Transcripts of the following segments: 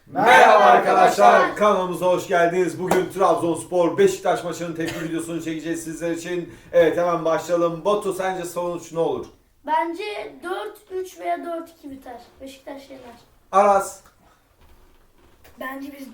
Merhaba arkadaşlar, kanalımıza hoş geldiniz. Bugün Trabzonspor Beşiktaş maçının tepki videosunu çekeceğiz sizler için. Evet, hemen başlayalım. Batu, sence sonuç ne olur? Bence 4-3 veya 4-2 biter. Beşiktaş yener. Aras. Bence biz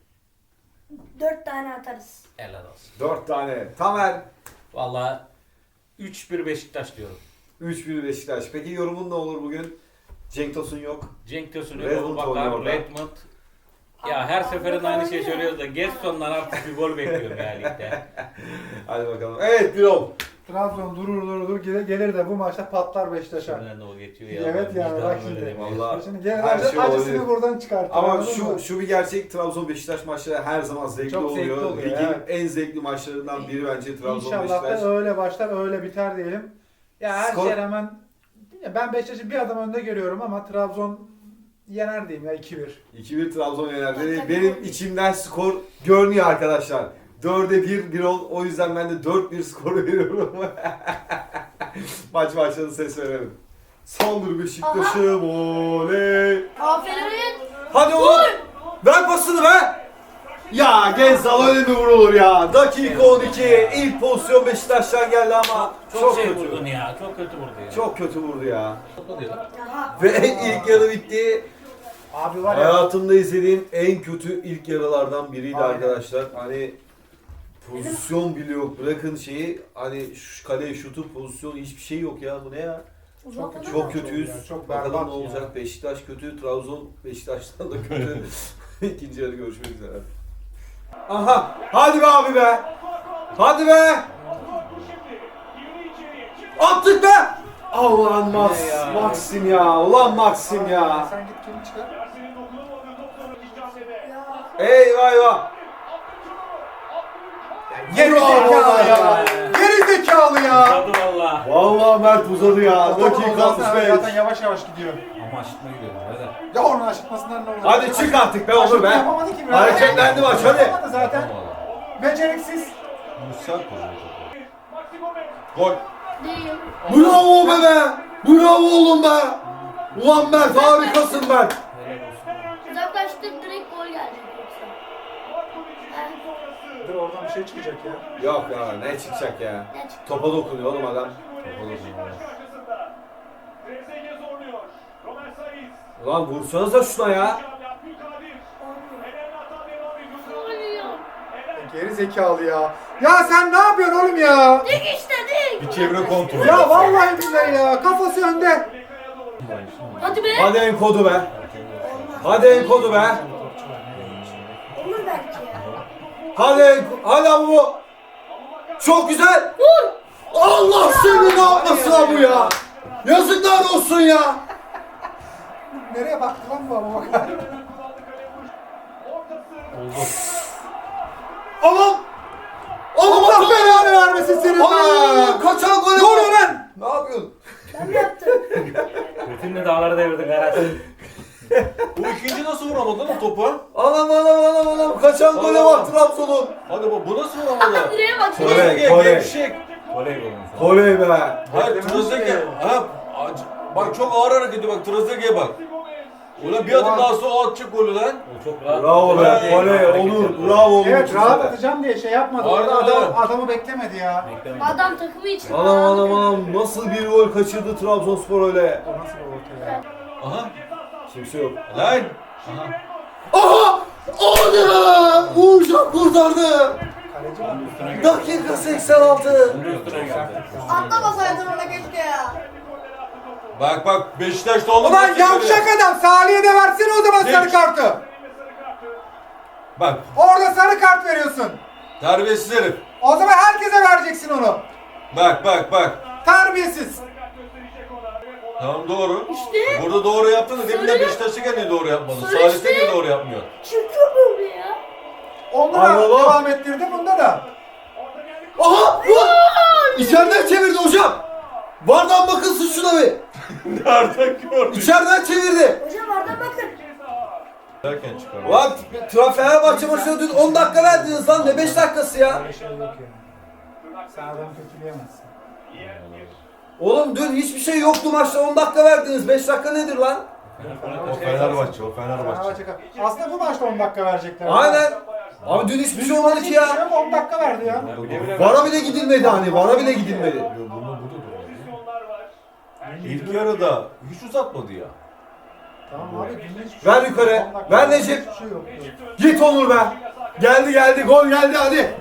4 tane atarız. Helal olsun. 4 tane. Tamer. Valla 3-1 Beşiktaş diyorum. 3-1 Beşiktaş. Peki yorumun ne olur bugün? Cenk Tosun yok. Cenk Tosun, Redmond Bakar, oynuyor orada. Redmond. Ya her seferinde aynı şey söylüyoruz da Gerson'dan artık bir gol bekliyorum ya ligde. Hadi bakalım. Evet, Birol. Trabzon durur gelir de bu maçta patlar Beşiktaş'a. Şimdiden de o geçiyor ya. Evet yani Vicdanım bak öyle şimdi. demiyor. Vallahi Şimdi gelir her şey acısını olabilir. buradan çıkartır. Ama anladın mı? şu bir gerçek, Trabzon Beşiktaş maçları her zaman zevkli Çok zevkli oluyor. oluyor, Ligin evet. en zevkli maçlarından biri bence Trabzon İnşallah Beşiktaş. da öyle başlar öyle biter diyelim. Ya her Skor- şeye rağmen ben Beşiktaş'ı bir adım önde görüyorum ama Trabzon yener diyeyim ya 2-1. 2-1 Trabzon yener dedi. Benim içimden skor görünüyor arkadaşlar. 4'e 1 Birol. O yüzden ben de 4-1 skoru veriyorum. Maç başladı, ses verelim. Saldır Beşiktaş'ım, oley. Aferin. Hadi oğlum. Ver pasını be. Ya Gezzal öyle mi vurulur ya? Dakika 12. İlk pozisyon Beşiktaş'tan geldi ama Çok şey kötü. vurdun ya. Çok kötü vurdu ya. Çok kötü vurdu ya. Çok oluyor lan. Ve ilk yarı bitti. Abi var ya Hayatımda izlediğim en kötü ilk yarılardan biriydi Aynen. arkadaşlar. Hani pozisyon bile yok. Bırakın şeyi, hani şu kaleye şutu, pozisyon, hiçbir şey yok ya. Bu ne ya? Uzatmadan Çok mı? kötüyüz. ya, çok Bakalım berbat ne olacak. ya. Beşiktaş kötü, Trabzon Beşiktaş'tan da kötü. İkinci yarı görüşmek üzere. Aha! Hadi be abi be! Hadi be! Attık be! Allah'ın Maxim ya. Ulan Maxim ya. Sen git kimi çıkar? Eyvah eyvah. Geri zekalı ya. Geri zekalı ya. Uzadı valla. Vallahi Mert uzadı ya. Dakika 65. Zaten yavaş yavaş gidiyor. Ama aşıkma gidiyorum. Hadi. Ya onun aşıkmasından ne olur? Hadi çık artık be Onur be. Yapamadı ki. Hareketlendi maç, hadi. Yapamadı zaten. Beceriksiz. Gol. Değil. Bravo be! Bravo oğlum be! Ulan Mert, harikasın Mert. Helal olsun. Uzaklaştık, direkt gol gelecek yoksa. Dur oradan bir şey çıkacak ya. Yok ya, ne çıkacak ya? Ne çıktı? Topa dokunuyor oğlum adam. Topa dokunuyor. Ulan vursanıza şuna ya. Oluyor. Geri zekalı ya. Ya sen ne yapıyorsun oğlum ya? Dik işte dik. Bir çevre kontrolü. Ya vallahi billahi ya. Kafası önde. Hadi be. Hadi enkodu be. Hadi enkodu be. Olur belki ya. Hadi abi bu. Çok güzel. Vur. Allah seni ne yapmasına bu ya. Yazıklar olsun ya. Nereye baktı lan bu ama bakar. Aman. Allah belanı vermesin senin Aa, be. kaçan gol. Ne oluyor lan? Ne yapıyorsun? Ben mi yaptım? Bütün dağları devirdin Aras. Bu ikinci nasıl vuramadı lan o topu? Anam. Kaçan gole bak Trabzon'un. Hadi bu nasıl vuramadı? Direğe bak. Kole, direğe. kole. Gevşek. Voley golü. Oley be. Hayır Trezeguet. Ha, bak çok ağır hareket ediyor bak Trezeguet'e bak. Ulan bir adım daha sonra o atacak golü lan. O çok rahat. Bravo be. Evet. Oley Onur. Bravo Onur. Evet rahat atacağım diye şey yapmadı. Aynen, Orada aynen. adamı beklemedi ya. Beklemedim. Adam takımı için. Anam. Nasıl bir gol kaçırdı Trabzonspor öyle. O nasıl bir orta ya? Aha. Kimse yok. Lan. Aha! Hadi be! Uğurcan kurtardı. Kaleci var. Dakika 86. Bunun üstüne geldi. Atlamasaydın ona keşke ya. Bak Beşiktaş'ta olmaz. Ulan yavşak adam Salih'e de versene o zaman sarı Geç. kartı. Bak Orada sarı kart veriyorsun. terbiyesiz herif. O zaman herkese vereceksin onu. Bak. Terbiyesiz. Tamam doğru. İşte. Burada doğru yaptın da demin de Söyle. Beşiktaş'ta niye doğru yapmadın? Söyle Salih'te işte. niye doğru yapmıyor? Çıkıyor böyle ya. Onda Ay da oğlum. devam ettirdi bunda da. Aha! Vur! İçeriden çevirdi hocam. Vardan bakılsın şuna bir. Nereden gördün? İçeriden çevirdi. Hocam oradan bakın. Derken çıkar. Ulan Fenerbahçe maçına dün 10 dakika verdiniz lan, ne 5 dakikası ya. Öyle şey yok ya. Sen adamı kötüleyemezsin. Oğlum dün hiçbir şey yoktu maçta, 10 dakika verdiniz, 5 dakika nedir lan? O Fenerbahçe, o Fenerbahçe. Fenerbahçe aslında bu maçta 10 dakika verecekler. Aynen. Abi dün hiçbir şey olmadı ki ya. 10 dakika verdi ya. Vara bile gidilmedi hani. Vara bile gidilmedi. Bunu burada da İlk yarıda hiç uzatmadı ya. Tamam abi. dinle hiçbir Ver şey yok. yukarı. 10 dakika Ver verdi, Necip. hiçbir şey yok. Git Onur be. Geldi gol geldi hadi.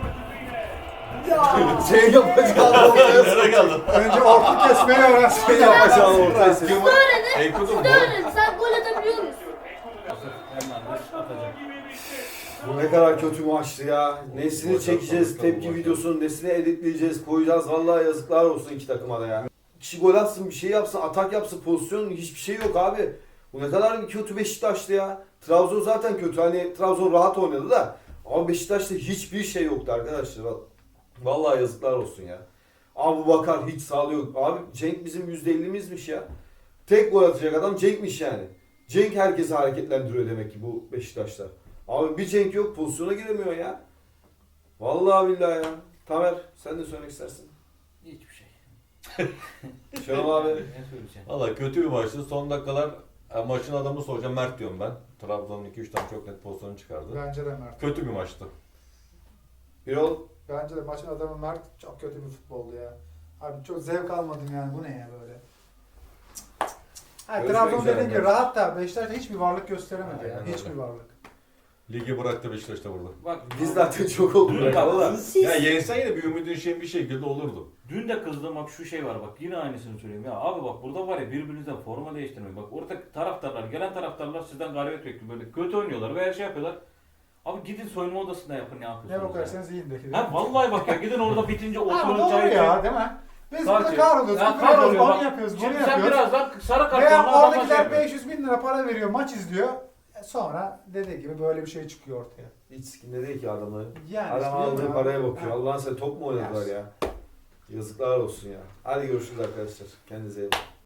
Şey yapacağım ortaya. Nereye geldin? Önce orta kesmeyi öğrensin. Şey yapacağım ortaya. Enkudu mu? Öğren, sen gol atabiliyor musun? Hernandez atacak. Bu ne kadar kötü maçtı ya. Nesini çekeceğiz, tepki videosunu, nesini editleyeceğiz, koyacağız. Vallahi yazıklar olsun iki takıma da ya. Kişi gol atsın, bir şey yapsın, atak yapsın, pozisyon hiçbir şey yok abi. Bu ne kadar bir kötü Beşiktaş'tı ya. Trabzon zaten kötü. Hani Trabzon rahat oynadı da. Ama Beşiktaş'ta hiçbir şey yoktu arkadaşlar. Vallahi yazıklar olsun ya. Abu Bakar hiç sağlıyor. Abi Cenk bizim %50'mizmiş ya. Tek gol atacak adam Cenk'miş yani. Cenk herkesi hareketlendiriyor demek ki bu Beşiktaş'ta. Abi bir Cenk yok, pozisyona giremiyor ya. Vallahi billahi ya. Tamer sen de söylemek istersin. Hiçbir şey. Şenol abi. Ne söyleyeceğim? Valla kötü bir maçtı. Son dakikalar maçın adamı soracağım Mert diyorum ben. Trabzon'un 2-3 tane çok net pozisyonu çıkardı. Bence de Mert. Kötü bir maçtı. Birol. Bence de maçın adamı Mert çok kötü bir futboldu ya. Abi çok zevk almadım yani. Bu ne ya böyle? Ha, Görüşmek Trabzon üzere dediğim gibi arkadaşlar. rahat da Beşiktaş'ta hiçbir varlık gösteremedi Aynen yani. öyle. Hiçbir varlık. Ligi bıraktı Beşiktaş'ta burada. Bak Biz zaten çok olduk Dün ya valla. Siz Ya yensen yine bir ümidin şey bir şekilde olurdu. Dün de kızdığım bak şu şey var bak yine aynısını söyleyeyim ya abi bak burada var ya birbirinizden forma değiştirmek bak orada taraftarlar gelen taraftarlar sizden galibiyet bekliyor böyle kötü oynuyorlar veya şey yapıyorlar. Abi gidin soyunma odasında yapın ne Ne yapıyorsunuz ya. bakarsanız yiyin de. Ha vallahi bak ya gidin orada bitince Ama oturun doğru çay ya için. değil mi? Biz Sadece- burada kahroluyoruz. Ya küfür ediyoruz, kahroluyor onu bak. yapıyoruz, bunu Şimdi sen yapıyoruz. birazdan sarı kartonla Veya adamlar şey oradakiler yapıyor. 500 bin lira para veriyor, maç izliyor. Sonra dediği gibi böyle bir şey çıkıyor ortaya. Hiç sikinde değil ki adamı. Yani Adam işte aldığı ya. paraya bakıyor. Ha. Allah'ın sen top mu oynadılar ya? Yazıklar olsun ya. Hadi görüşürüz arkadaşlar. Kendinize iyi bakın.